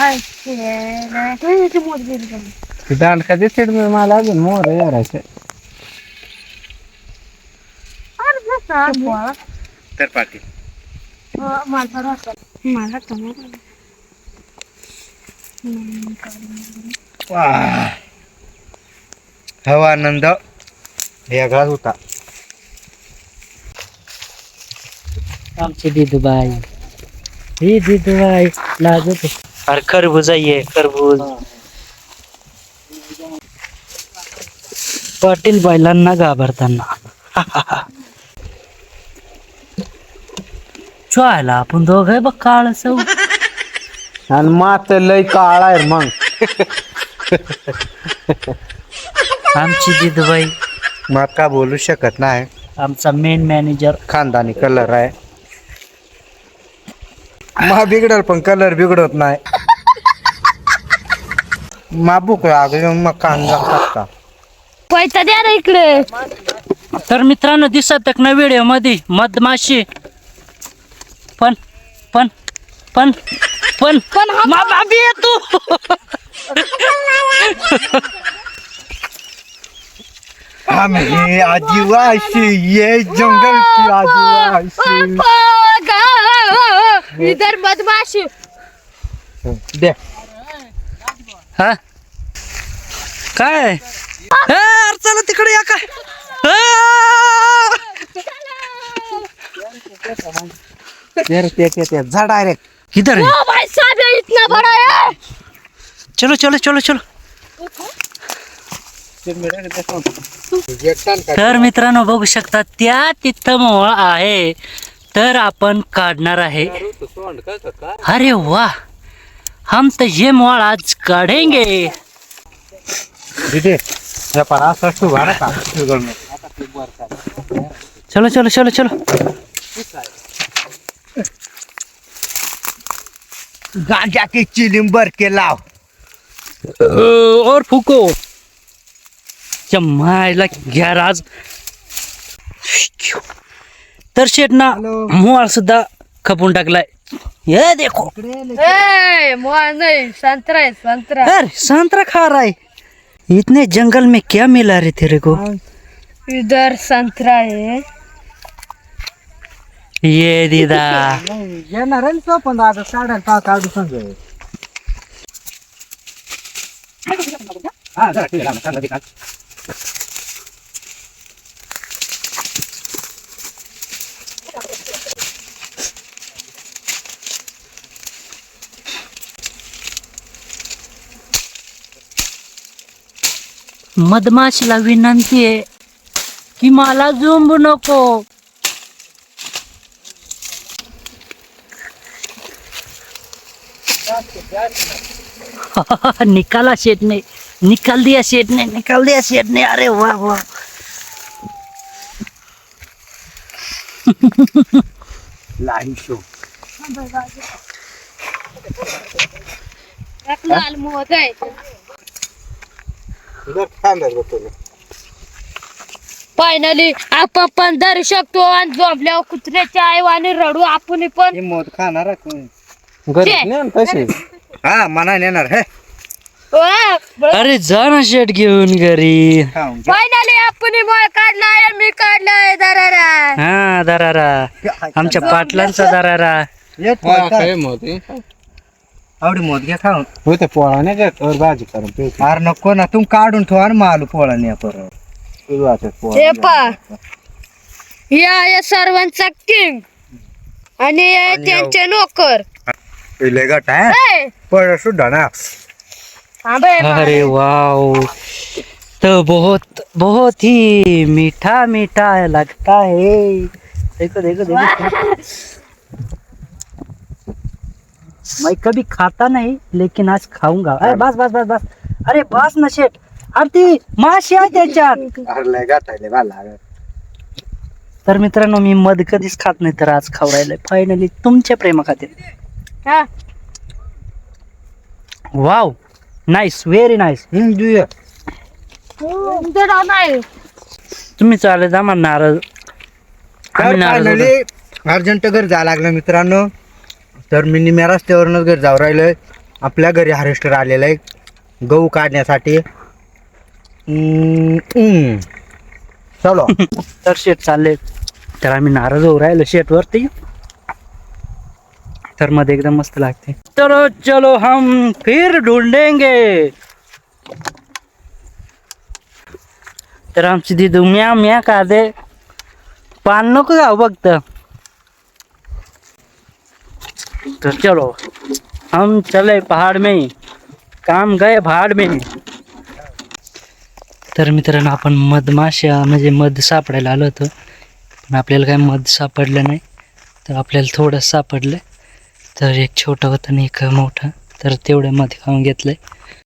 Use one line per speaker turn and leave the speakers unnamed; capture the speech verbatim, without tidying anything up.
दांडका दिसते मला अजून मोर यारायचं तर पाठी हवा आनंद वेगळाच होता.
आमची दिदूबाई ही दिदूबाई लागत अरे खरबूज आहे खरबूज. पाटील बैलांना घाबरताना चोयला आपण दोघं बघ काळ सौ
आणि मात लय काळा आहे मग.
आमची दिदूबाई
मग का बोलू शकत नाही.
आमचा मेन मॅनेजर
खानदानी कलर आहे. मा बिघडल पण कलर बिघडत नाही. मा बुक मग कांदा टाकता
पैसा द्या ना इकडे.
तर मित्रांनो दिसत ना व्हिडिओ मध्ये मधमाशी पण पण पण पण
पण हा-
मा बाबी आहे तू.
हम ये आदिवासी ये जंगल की आदिवासी.
इधर बदमाशी
दे
हा काय ए, अरे चला तिकडे या काय
तेरे ते ते ते जा डायरेक्ट
इधर है.
ओ भाई साहब ये इतना बड़ा है.
चलो चलो चलो चलो. तर मित्रांनो बघू शकता त्या तिथं मोळ आहे तर आपण काढणार आहे. अरे वाह हम तो ये मोळ आज काढेंगे.
दीदी या पर आस तू भाड़ा का
चलो चलो चलो चलो.
गांजा की चिलिम्बर के लाव
और फुको मायला घ्या राज. तर शेट ना मोळ सुद्धा खपून टाकलाय. ये देखो
ए मुआ नहीं संतरा है संतरा.
अरे संतरा खा रहा है. इतने जंगल में क्या मिला रे तेरे को.
इधर संतरा है.
ये दीदा
येणार आहे तो पण आता काढायला का काढू सांग. हा जरा ठीक आहे सांगा दे.
मधमाशीला विनंती आहे की मला झोंबू नको. निकाला शेट ने निकाल दिया शेट ने निकाल दिया शेट ने. अरे वाह वाह
लाईव्ह शो
एक लाल मुआ है.
तुला खांदा बघतो.
फायनली आपण पण धरू शकतो आणि झोपल्यावर कुत्र्याच्या आईवाने रडू आपण पण.
हे मोद खाणार आहे कोण घरी नेन तसे. हा मना नेणार हे
अरे जा ना शेट घेऊन घरी.
खाऊन घे.
फायनली आपण मळ काढलाय मी काढलाय दरारा.
हा दरारा आमच्या पाटलांचा दरारा.
येत काय मोद आवडी मोद घ्या खाऊन होते पोळा नाही का तर भाजी करून. अरे नको ना तुम काढून ठेवा ना मालू पोळा नाही परत.
हे पा या या सर्वांचा किंग आणि हे त्यांचे नोकर.
पहिले गट आहे
ए,
पण सुद्धा ना.
थांब हे पा.
अरे वाओ तो बहुत बहुत ही मीठा मीठा लगता है. देखो देखो देखो मैं कभी खाता नहीं लेकिन आज खाऊंगा. अरे बस बस बस बस. अरे बस ना शेट. अरे ती माशी आहे त्याच्यात.
अरे लय गट आहे लय.
तर मित्रांनो मी मध कधीच खात नाही तर आज खाऊ राहिलंय फायनली तुमच्या प्रेमा खातीर.
हा.
Wow nice very nice.
Hindu
तुमचं नाव नाही.
तुम्ही चालेल जा मला नारळ. आम्ही नारळ
फायनली अर्जंट घर जायला लागलं मित्रांनो. तर मी निम्या रस्त्यावरूनच घर जाऊ राहिलोय आपल्या घरी हार्वेस्टर आलेलं आहे गहू काढण्यासाठी. हम्म, हम्म. चलो.
तर शेट चालले, तर आम्ही नाराज होऊ राहिलो शेटवरती. तर मध्ये एकदम मस्त लागते. तर चलो हम फिर ढूंढेंगे. तर आमची दिदू म्या म्या का दे पान नको जाऊ फक्त. तो चलो हम चले पहाड़ में, काम गए पहाड़ में. तर मित्रांनो आपण मधमाशा म्हणजे मध सापडायला आलो होतो, पण आपल्याला काय मध सापडलं नाही. तर आपल्याला थोडं सापडलं. तर एक छोटं होतं आणि एक मोठं, तर तेवढं मध खाऊन घेतलंय.